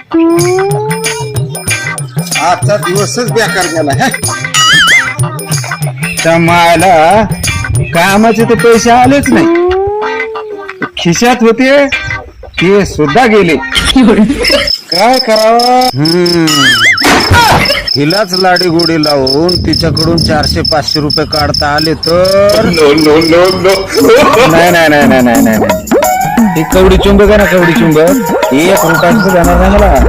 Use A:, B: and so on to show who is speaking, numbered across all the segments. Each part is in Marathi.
A: आजचा दिवसच बेकार गेला हे.
B: मला कामाचे तर पैसे आलेच नाही, खिशात होते ते सुद्धा गेले. काय करावं? हिलाच लाडी गोडी लावून तिच्याकडून 400-500 रुपये काढता आले तर नाही नाही नाही नाही नाही नाही ही कवडी चुंबक आहे ना, कवडी चुंबक 1 रुपया जाणार नाही मला.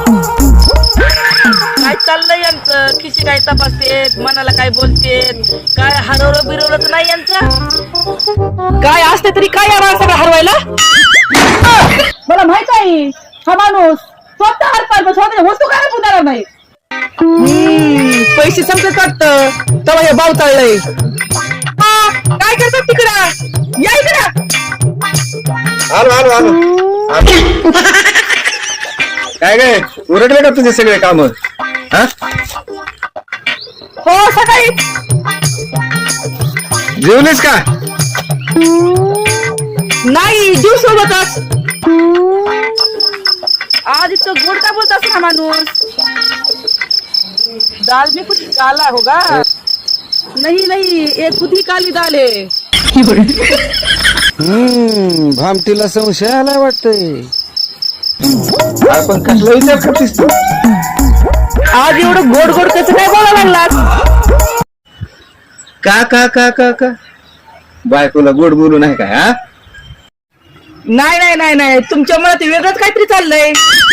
C: काय चाललंय यांचं? खिशी काय तपासतेत, मनाला काय बोलतेत, काय हरवलं बिरवलं तर नाही यांचं? काय असते तरी काय यावं सगळं हरवायला?
D: मला माहित आहे हा माणूस स्वतः हरपाल स्वतः वस्तू काय पुणार नाही.
C: पैसे संपत वाटतं तेव्हा हे बावताळलंय. काय करतात तिकडं? या इकडं.
A: आलो आलो आलो. काय काय उरटले का तुझे सगळे काम?
C: हो सकाळी
A: जेवलीस का?
C: नाही जीव सोबतच. आज इतकं गोड का बोलत असं हा माणूस? दाल में कुछ काला होगा? नहीं नहीं ये खुद ही काली दाल है.
B: भामटीला संशय आलाय वाटतंय.
A: आपण कसला विचार करतेस तू?
C: आज एवढं गोड गोड कसं काय बोलायला लागलास?
A: का का का का का बायकोला गोड बोलू नाही का? हा
C: नाही नाही नाही नाही तुमच्या मनात वेगळंच काहीतरी चाललंय.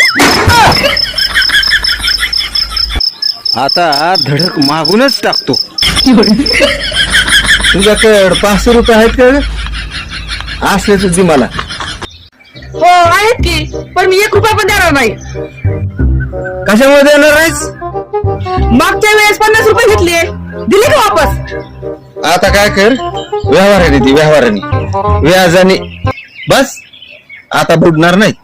B: आता धडक मागूनच टाकतो.
A: तुझ्याकडे 500 रुपये आहेत का? असले तर दे मला.
C: हो आहेत की, पण मी 1 रुपया पण देणार नाही.
A: कशामुळे देणार नाहीस?
C: मागच्या वेळेस 50 रुपये घेतले, दिले का वापस?
A: आता काय कर, व्यवहाराने दे, व्यवहाराने व्याजाने. बस आता बुडणार नाही.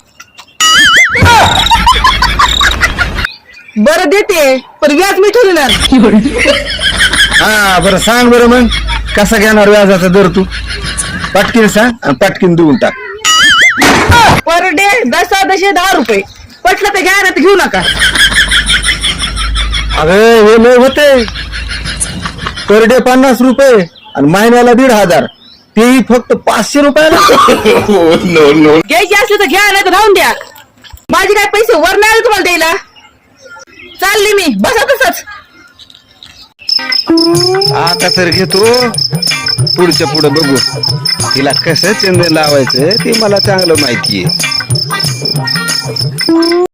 C: बरं देते, पण व्याज मी ठेवणार.
A: हा बरं सांग बरं मग कसा घेणार व्याजाचा दर तू? पटकीन सांग आणि पटकीन देऊन टाक.
C: पर डे 10 रुपये. पटलं तर घ्या ना, तर घेऊ नका.
A: अरे हे लय होते. पर डे 50 रुपये आणि महिन्याला 1,500, तेही फक्त 500 रुपयाला.
C: घ्यायची असली तर घ्या, नाही तर राहून द्या. माझे काय पैसे वर नाही आले तुम्हाला द्यायला. चालली मी, बसा तसंच.
B: आता तर घेतो, पुढच्या पुढे बघू. तिला कसं चंदन लावायचं ते मला चांगलं माहितीये.